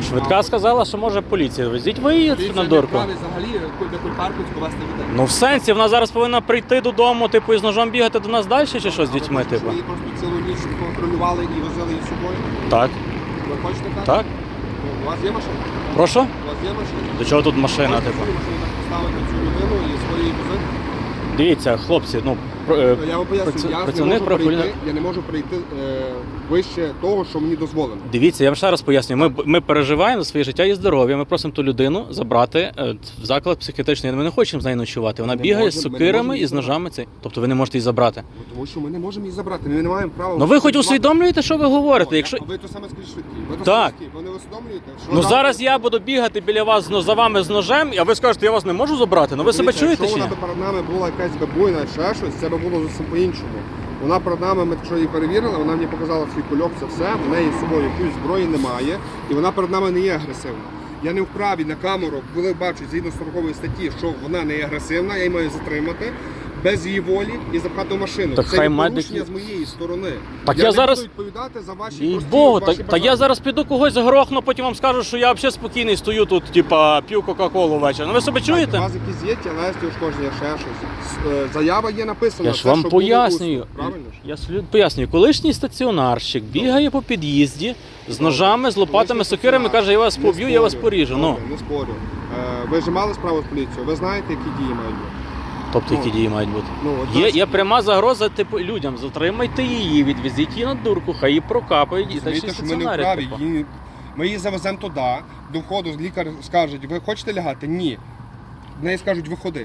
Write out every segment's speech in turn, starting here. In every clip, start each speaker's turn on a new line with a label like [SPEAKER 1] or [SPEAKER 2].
[SPEAKER 1] Швидка сказала, що може поліція. Везіть ви її на дурку.
[SPEAKER 2] Взагалі до кульпарку повезти людей.
[SPEAKER 1] Ну в сенсі, вона зараз повинна прийти додому, типу, і з ножом бігати до нас далі, чи що з дітьми, типу?
[SPEAKER 2] Її просто цілу ніч контролювали і возили її з собою.
[SPEAKER 1] Так.
[SPEAKER 2] Ви хочете так?
[SPEAKER 1] Так.
[SPEAKER 2] Ну, у вас є машина?
[SPEAKER 1] Прошу?
[SPEAKER 2] У вас є машина?
[SPEAKER 1] До чого тут машина,
[SPEAKER 2] Можете
[SPEAKER 1] типу?
[SPEAKER 2] свою машину так поставити цю людину і свої возити?
[SPEAKER 1] Дивіться, хлопці, ну,
[SPEAKER 2] Я вам поясню, я не можу прийти вище того, що мені дозволено.
[SPEAKER 1] Дивіться, я вам ще раз пояснюю. Ми переживаємо за своє життя і здоров'я. Ми просимо ту людину забрати в заклад психіатричний. Ми не хочемо з нею ночувати. Вона бігає з сокирами і з ножами. Тобто ви не можете її забрати.
[SPEAKER 2] Тому що ми не можемо її забрати. Ми не маємо права.
[SPEAKER 1] Ну ви хоч усвідомлюєте, що ви говорите? Якщо...
[SPEAKER 2] А ви то саме скажіть швидкі. Ви то
[SPEAKER 1] так.
[SPEAKER 2] швидкі. Ви не усвідомлюєте?
[SPEAKER 1] Ну зараз я буду бігати біля вас за вами з ножем, а ви скажете, я вас не можу забрати. Ну ви себе чуєте чи ні?
[SPEAKER 2] Якщо вона перед нами була якась бабуйна, ще щось, це би було зовсім по-іншому. Вона перед нами, ми якщо її перевірили, вона мені показала свій кульок, це все, в неї з собою якоїсь зброї немає, і вона перед нами не є агресивна. Я не вправі на камеру, коли бачу згідно 40 статті, що вона не є агресивна, я її маю затримати без її волі і запхати в машину.
[SPEAKER 1] Так
[SPEAKER 2] це
[SPEAKER 1] хай
[SPEAKER 2] є порушення з моєї сторони.
[SPEAKER 1] Так
[SPEAKER 2] я не
[SPEAKER 1] зараз...
[SPEAKER 2] буду відповідати за ваші
[SPEAKER 1] Їй
[SPEAKER 2] прості
[SPEAKER 1] Богу,
[SPEAKER 2] ваші
[SPEAKER 1] та я зараз піду когось грохну, потім вам скажу, що я взагалі спокійний стою тут, типа, п'ю Кока-Колу ввечері. Ну ви себе чуєте?
[SPEAKER 2] У вас якісь є тілесні ушкодження, ще щось. Заява є написана.
[SPEAKER 1] Я ж вам пояснюю. Я пояснюю, колишній стаціонарщик бігає по під'їзді з ножами, з лопатами, сокирами, каже, я вас поб'ю, я вас поріжу. Ну.
[SPEAKER 2] Не спорю. Ви ж мали справу з поліцією, ви знаєте, які дії мають бути?
[SPEAKER 1] Тобто, які дії мають бути?
[SPEAKER 2] Ну,
[SPEAKER 1] Є пряма загроза типу, людям, затримайте її, відвезіть її на дурку, хай її прокапають і
[SPEAKER 2] Розумієте, що ми не вправі. Ми її завеземо туди, до входу лікар скаже, ви хочете лягати? Ні. В неї скажуть, виходи.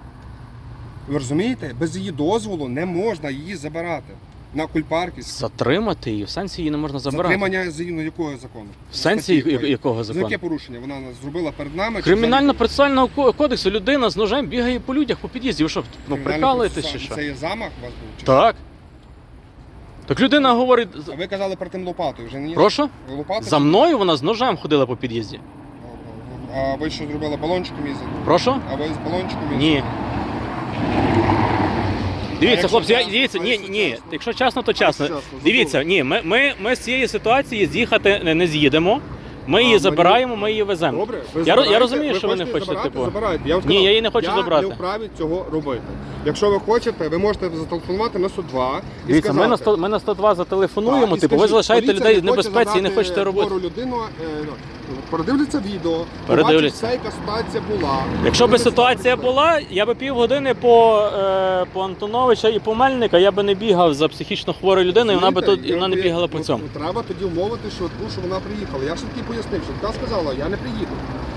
[SPEAKER 2] Ви розумієте? Без її дозволу не можна її забирати на кульпарки.
[SPEAKER 1] Затримати її? В сенсі її не можна забирати?
[SPEAKER 2] Затримання згідно якого закону?
[SPEAKER 1] В сенсі якого закону?
[SPEAKER 2] Яке порушення вона зробила перед нами?
[SPEAKER 1] Кримінально-процесуального кодексу людина з ножем бігає по людях, по під'їзді. Ви що, ну прикалуєтесь чи що?
[SPEAKER 2] Це є замах у вас був? Чи
[SPEAKER 1] так. Так людина говорить...
[SPEAKER 2] А ви казали про тим лопатою, вже не?
[SPEAKER 1] Прошу?
[SPEAKER 2] Лопатою?
[SPEAKER 1] За мною вона з ножем ходила по під'їзді.
[SPEAKER 2] А ви що зробили, балончиком їздили?
[SPEAKER 1] Прошу?
[SPEAKER 2] А ви з балончиком їздили?
[SPEAKER 1] Ні. Дивіться, хлопці, дивіться, ні, якщо чесно, то чесно. Дивіться, ні, ми з цієї ситуації з'їхати не з'їдемо. Ми її забираємо, ми її веземо.
[SPEAKER 2] Добре,
[SPEAKER 1] я розумію, що ви не хочете, типу. Ні, я її не хочу забрати.
[SPEAKER 2] Я не вправі цього робити. Якщо ви хочете, ви можете зателефонувати на 102 і
[SPEAKER 1] дивіться,
[SPEAKER 2] сказати.
[SPEAKER 1] ми на 102 зателефонуємо, типу, ви залишаєте людей в небезпеці і не хочете робити.
[SPEAKER 2] Людину, передивляться відео, побачить все, яка ситуація була.
[SPEAKER 1] Якщо б ситуація була, я би півгодини по Антоновича і по Мельника, я би не бігав за психічно хворою людиною, вона не бігала по цьому.
[SPEAKER 2] Треба тоді умовити швидку, що вона приїхала. Я швидкі пояснив, швидка сказала, я не приїду.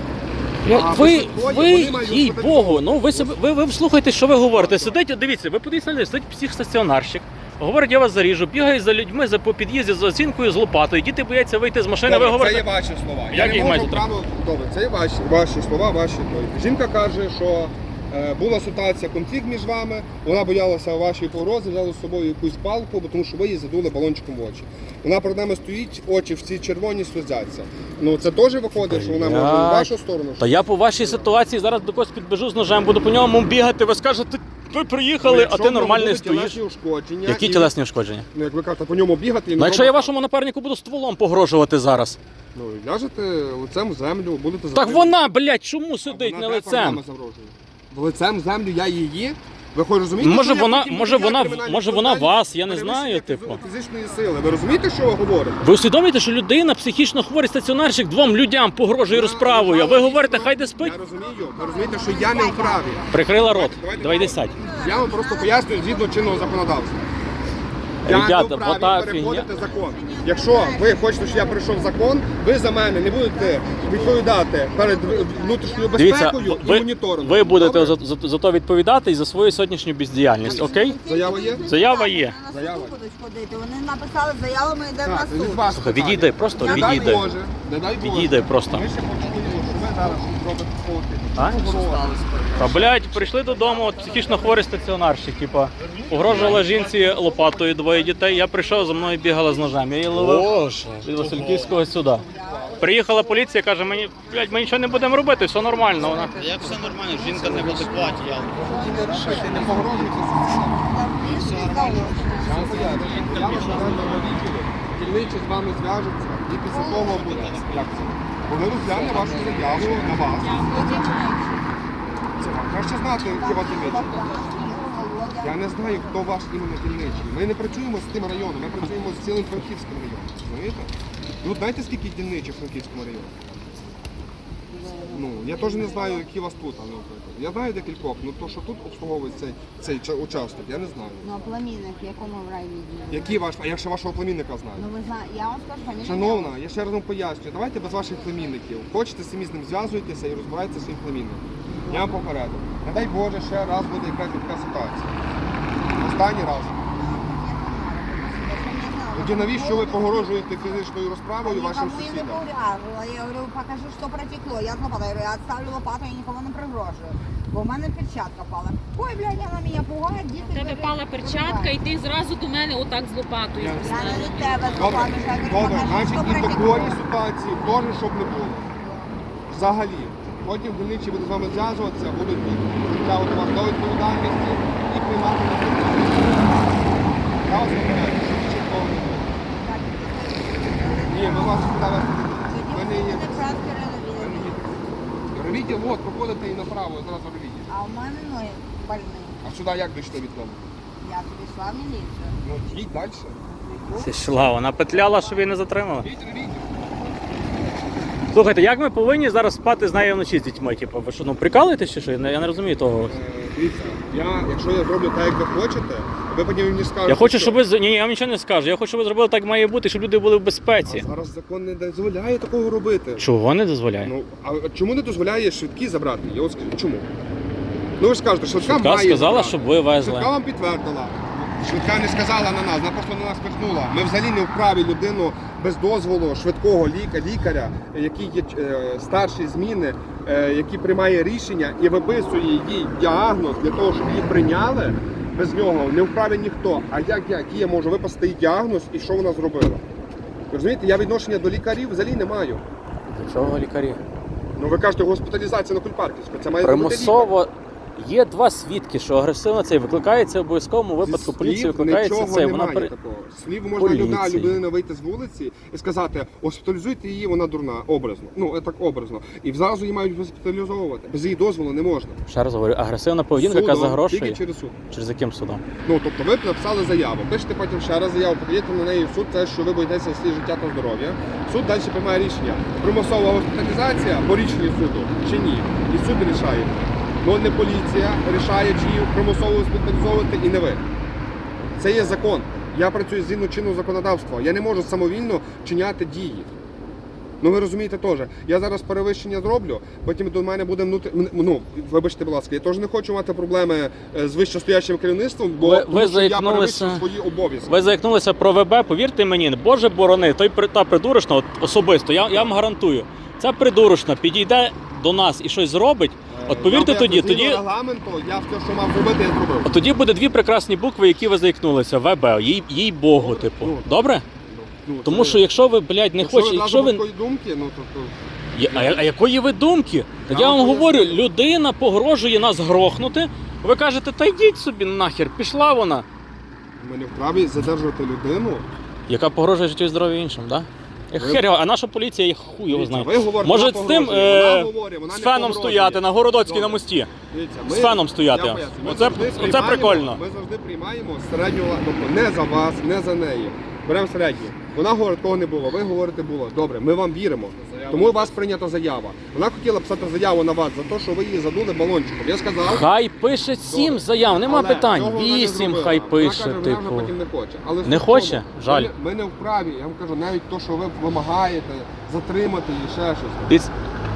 [SPEAKER 1] Ви їй Богу, ну ви слухайте, що ви говорите. Сидить, дивіться, ви подивіться на людей, сидить психстаціонарщик, говорить, я вас заріжу, бігає за людьми по під'їзді з оцінкою, з лопатою, діти бояться вийти з машини,
[SPEAKER 2] добре,
[SPEAKER 1] ви говорите...
[SPEAKER 2] Це є ваші слова.
[SPEAKER 1] Як їх маєте?
[SPEAKER 2] Добре, це є ваші слова, ваші. Жінка каже, що була ситуація, конфлікт між вами, вона боялася вашої погрози, взяла з собою якусь палку, тому що ви її задули балончиком в очі. Вона перед нами стоїть, очі всі червоні сльозяться. Ну це теж виходить, що вона може в вашу сторону.
[SPEAKER 1] Та я по вашій ситуації зараз до когось підбіжу з ножем, буду по ньому бігати, ви скажете, ви приїхали, а ти нормальний стоїш. Які тілесні ушкодження?
[SPEAKER 2] Ну як ви кажете, по ньому бігати.
[SPEAKER 1] Ну якщо я вашому напарнику буду стволом погрожувати зараз.
[SPEAKER 2] Ну ляжете лицем в землю, будете
[SPEAKER 1] так вона, блядь, чому сидить не лицем?
[SPEAKER 2] Лицем в землю я її. Ви хоч розумієте,
[SPEAKER 1] може вона вас, я не знаю, типу.
[SPEAKER 2] Фізичної сили. Ви розумієте, що ви говорите?
[SPEAKER 1] Ви усвідомлюєте, що людина, психічно хворий стаціонарщик, двом людям погрожує розправою, а ви говорите, хай де спить?
[SPEAKER 2] Я розумію. Ви розумієте, що я не вправі.
[SPEAKER 1] Прикрила рот. Давай йди сядь.
[SPEAKER 2] Я вам просто пояснюю згідно чинного законодавства.
[SPEAKER 1] Ребята,
[SPEAKER 2] я не вправі переходити закон. Якщо ви хочете, щоб я прийшов закон, ви за мене не будете відповідати перед внутрішньою безпекою і моніторингом.
[SPEAKER 1] Ви будете за то відповідати і за свою сьогоднішню бездіяльність, окей?
[SPEAKER 2] Заява є?
[SPEAKER 1] Заява є.
[SPEAKER 2] Заява.
[SPEAKER 3] Вони написали заяву, ми йдемо на суд.
[SPEAKER 1] Слухай, відійди, просто відійди.
[SPEAKER 2] Не дай Боже.
[SPEAKER 1] Відійди просто.
[SPEAKER 2] Ми ще почуємо, що ви зараз робите
[SPEAKER 1] Та, блядь, прийшли додому, от психічно хворий стаціонарщик, типа, погрожувала жінці лопатою, двоє дітей, я прийшов, за мною бігала з ножем, я її ловив від Васильківського сюди. Приїхала поліція, каже, мені, блядь, ми нічого не будемо робити, все нормально. Вона...
[SPEAKER 4] Як все нормально, жінка не в адекваті, я...
[SPEAKER 2] Не погрожуйте. Дільничі з вами зв'яжуться. І після того буде. Як це? Коли розгляне вашу заяву на вас. Це вам краще знати, які вас дільничі. Я не знаю, хто ваш іменно дільничий. Ми не працюємо з тим районом, ми працюємо з цілим Франківським районом. Розумієте? Ну, знаєте, скільки дільничих в Франківському районі? Ну, я теж не знаю, які у вас тут, наприклад. Я знаю декількох, але то, що тут обслуговує цей участок, я не знаю.
[SPEAKER 3] Ну, а племінник, в якому в райвідділі?
[SPEAKER 2] Який ваш, а я ще вашого племінника знаю.
[SPEAKER 3] Ну, ви знаєте, я вам скажу, фамілія.
[SPEAKER 2] Шановна, я ще раз вам пояснюю, давайте без ваших племінників. Хочете, самі з ним зв'язуйтеся і розбирайтеся своїм племінником. Я вам попереду. Не дай Боже, ще раз буде якась така ситуація. Останній раз. Тоді навіщо ви погрожуєте фізичною розправою вашим
[SPEAKER 3] Никому я не
[SPEAKER 2] сусідам?
[SPEAKER 3] погрожувала. Я говорю, покажи, що протекло. Я з лопатою говорю, я відставлю лопату, я нікому не пригрожую. Бо в мене перчатка пала. Ой, блядь, вона мене пугає, діти.
[SPEAKER 5] У тебе пала перчатка, і ти зразу до мене отак з лопатою.
[SPEAKER 2] Я
[SPEAKER 3] Я не до тебе з
[SPEAKER 2] Добре,
[SPEAKER 3] лопатою, я говорю,
[SPEAKER 2] добре,
[SPEAKER 3] покажи,
[SPEAKER 2] значить
[SPEAKER 3] що
[SPEAKER 2] і в
[SPEAKER 3] протекло.
[SPEAKER 2] такої ситуації теж, щоб не було. Взагалі. Потім дільничі будуть з вами зв'язуватися, будуть притягувати вас до відповідальності і приймати на відповідальність. Я вас попереджу, що більше такого не буде. Ні, ми вас сюди вести не будемо.
[SPEAKER 3] Тоді
[SPEAKER 2] Ми
[SPEAKER 3] ви
[SPEAKER 2] не є.
[SPEAKER 3] мене краски релевіли.
[SPEAKER 2] Ровідділ, от, проходите і направо, зараз ровідділ.
[SPEAKER 3] А у мене ноги больні.
[SPEAKER 2] А сюди як дійшли від дому?
[SPEAKER 3] Я тобі йшла в міліцію.
[SPEAKER 2] Ну, їдь далі.
[SPEAKER 1] Це йшла, вона петляла, щоб її не затримали.
[SPEAKER 2] Їдь ровідділ.
[SPEAKER 1] Слухайте, як ми повинні зараз спати з нею вночі з дітьми? Типу, ви що, ну прикалуєтесь чи що? Я не розумію того.
[SPEAKER 2] Дивіться, якщо я зроблю так, як ви хочете, ви потім мені скажете,
[SPEAKER 1] Я хочу,
[SPEAKER 2] що-
[SPEAKER 1] щоб ви ні, я вам нічого не скажу. Я хочу, щоб ви зробили так має бути, щоб люди були в безпеці.
[SPEAKER 2] А зараз закон не дозволяє такого робити.
[SPEAKER 1] Чого не дозволяє?
[SPEAKER 2] Ну, а чому не дозволяє швидкі забрати? Я от скажу, чому? Ну ви ж скажете, швидка
[SPEAKER 1] Швидка
[SPEAKER 2] має
[SPEAKER 1] сказала,
[SPEAKER 2] забрати.
[SPEAKER 1] щоб ви везли.
[SPEAKER 2] Швидка вам підтвердила. Швидка не сказала на нас, вона просто на нас пихнула. Ми взагалі не вправі людину без дозволу швидкого лікаря, який є старші зміни, який приймає рішення і виписує їй діагноз для того, щоб її прийняли. Без нього не вправі ніхто. А як я можу виписати їй діагноз і що вона зробила? Ви розумієте, я відношення до лікарів взагалі не маю.
[SPEAKER 1] До чого лікарі?
[SPEAKER 2] Ну ви кажете, госпіталізація на Кульпарківську. Це має зробити лікар.
[SPEAKER 1] Примусово. Є два свідки, що агресивно цей викликається в обов'язковому випадку.
[SPEAKER 2] Зі
[SPEAKER 1] Поліція
[SPEAKER 2] слів
[SPEAKER 1] викликається
[SPEAKER 2] нічого
[SPEAKER 1] цей.
[SPEAKER 2] немає
[SPEAKER 1] Вона
[SPEAKER 2] такого. Слів можна
[SPEAKER 1] Поліції.
[SPEAKER 2] людина вийти з вулиці і сказати, госпіталізуйте її, вона дурна, образно. Ну, так образно. І зразу її мають госпіталізовувати. Без її дозволу не можна.
[SPEAKER 1] ще раз говорю, агресивна поведінка, яка
[SPEAKER 2] Судом,
[SPEAKER 1] загрошує.
[SPEAKER 2] тільки через суд.
[SPEAKER 1] Через яким судом?
[SPEAKER 2] Ну, тобто ви написали заяву, пишете потім ще раз заяву, подаєте на неї в суд, це що ви боїтеся свій життя та здоров'я. Суд далі приймає рішення. Примусова госпіталізація по рішенню суду чи ні. І суд рішає. Ну не поліція рішає, чи її примусово госпіталізовувати, і не ви. Це є закон. Я працюю згідно чинного законодавства. Я не можу самовільно вчиняти дії. Ну ви розумієте теж. Я зараз перевищення зроблю, потім до мене буде ну, вибачте, будь ласка, я теж не хочу мати проблеми з вищостоящим керівництвом, бо
[SPEAKER 1] Ви
[SPEAKER 2] тому, що я
[SPEAKER 1] заікнулися-
[SPEAKER 2] перевищив свої обов'язки.
[SPEAKER 1] Ви заікнулися про ВБ, повірте мені, Боже борони, та придурочна, от особисто, я вам гарантую, ця придурочна підійде до нас і щось зробить, от повірте
[SPEAKER 2] Я
[SPEAKER 1] тоді,
[SPEAKER 2] згідно регламенту, я все, що мав зробити, я зробив.
[SPEAKER 1] от тоді буде дві прекрасні букви, які ви заікнулися, ВБ, їй Богу, типу.
[SPEAKER 2] Ну,
[SPEAKER 1] Добре?
[SPEAKER 2] Ну,
[SPEAKER 1] Тому
[SPEAKER 2] це-
[SPEAKER 1] що якщо ви, блядь, не хочете, якщо ви...
[SPEAKER 2] такої думки, ну то...
[SPEAKER 1] А якої ви думки? Так
[SPEAKER 2] Я
[SPEAKER 1] я вам
[SPEAKER 2] вам
[SPEAKER 1] говорю,
[SPEAKER 2] поясню.
[SPEAKER 1] людина погрожує нас грохнути, ви кажете, та йдіть собі нахер, пішла вона.
[SPEAKER 2] Ми не вправі задержувати людину.
[SPEAKER 1] Яка погрожує життю і здоров'ю іншим, так? Да? Хер його, а наша поліція, я хуй його знає.
[SPEAKER 2] Ви говорите,
[SPEAKER 1] Може
[SPEAKER 2] вона
[SPEAKER 1] з тим
[SPEAKER 2] погрожує. Вона говорить, вона
[SPEAKER 1] з
[SPEAKER 2] не
[SPEAKER 1] феном
[SPEAKER 2] погрожує.
[SPEAKER 1] стояти на Городоцькій
[SPEAKER 2] Добре.
[SPEAKER 1] на мості.
[SPEAKER 2] Дивіться,
[SPEAKER 1] З феном стояти.
[SPEAKER 2] я поясню, ми
[SPEAKER 1] Оце
[SPEAKER 2] завжди
[SPEAKER 1] прикольно.
[SPEAKER 2] приймаємо- Ми завжди приймаємо середню, тобто не за вас, не за неї. Беремо середню. Вона говорить, кого не було, ви говорите було. Добре, ми вам віримо. Тому у вас прийнята заява. Вона хотіла писати заяву на вас за те, що ви її задули балончиком. Я сказав,
[SPEAKER 1] Хай пише 7
[SPEAKER 2] Добре.
[SPEAKER 1] заяв, нема
[SPEAKER 2] але
[SPEAKER 1] питань.
[SPEAKER 2] цього вона не
[SPEAKER 1] 8
[SPEAKER 2] зробила.
[SPEAKER 1] хай
[SPEAKER 2] Вона
[SPEAKER 1] пише,
[SPEAKER 2] каже, вона вже
[SPEAKER 1] типу.
[SPEAKER 2] потім не хоче. Але
[SPEAKER 1] Не
[SPEAKER 2] в чому?
[SPEAKER 1] хоче? Жаль.
[SPEAKER 2] Ми не вправі, я вам кажу, навіть то, що ви вимагаєте, затримати її, ще щось.
[SPEAKER 1] Дивіться,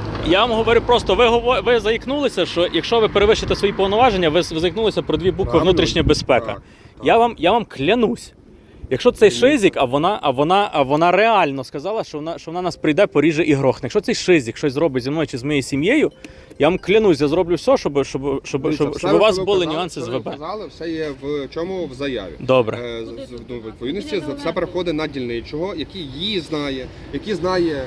[SPEAKER 1] я вам говорю просто, ви заікнулися, що якщо ви перевищите свої повноваження, ви заікнулися про дві букви
[SPEAKER 2] Правильно.
[SPEAKER 1] внутрішня безпека.
[SPEAKER 2] Так,
[SPEAKER 1] Я вам клянусь. Якщо цей шизик, а вона реально сказала, що вона нас прийде, поріже і грохне. Якщо цей шизик щось зробить зі мною чи з моєю сім'єю, я вам клянусь, я зроблю все, щоб
[SPEAKER 2] Дивіться,
[SPEAKER 1] у вас
[SPEAKER 2] що ви
[SPEAKER 1] були
[SPEAKER 2] казали,
[SPEAKER 1] нюанси з
[SPEAKER 2] що ви
[SPEAKER 1] ВБ.
[SPEAKER 2] казали, все є в чому в заяві.
[SPEAKER 1] Добре.
[SPEAKER 2] Ну, в відповідності все переходить на дільничого, який її знає, який знає.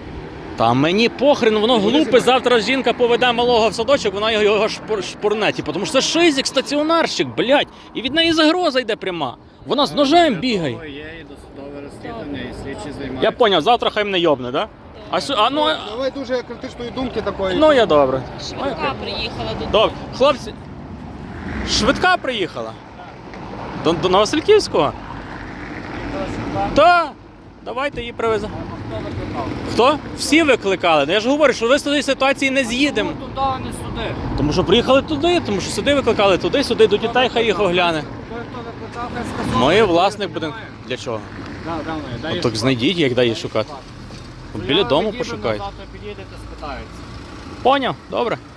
[SPEAKER 1] Та мені похрен, воно
[SPEAKER 2] Вони
[SPEAKER 1] глупе,
[SPEAKER 2] займаються.
[SPEAKER 1] завтра жінка поведе малого в садочок, вона його шпурне, типу, тому що це шизик, стаціонарщик, блядь, і від неї загроза йде пряма. Вона з ножем бігає.
[SPEAKER 4] Є і досудове розслідування, і слідчі займаються.
[SPEAKER 1] Я поняв, завтра хай мене йобне, да? Ну,
[SPEAKER 2] Давай дуже критичної думки такої.
[SPEAKER 1] ну я добре.
[SPEAKER 5] Швидка приїхала до
[SPEAKER 1] Добре. Хлопці, швидка приїхала? До Нововасильківського? Так. Давайте її привеземо. Хто? Всі викликали. Ну, я ж говорю, що ви з тієї ситуації не з'їдемо.
[SPEAKER 6] Туди, а не сюди.
[SPEAKER 1] Тому що приїхали туди, тому що сюди викликали, туди, сюди, до дітей хай їх огляне.
[SPEAKER 6] Той, хто викликав, хай сказав.
[SPEAKER 1] Ми власник будинку. Для чого?
[SPEAKER 6] Дай
[SPEAKER 1] Так знайдіть, як дай її шукати. Біля дому пошукайте.
[SPEAKER 6] Завтра підійдете, спитаються.
[SPEAKER 1] Поняв? Добре.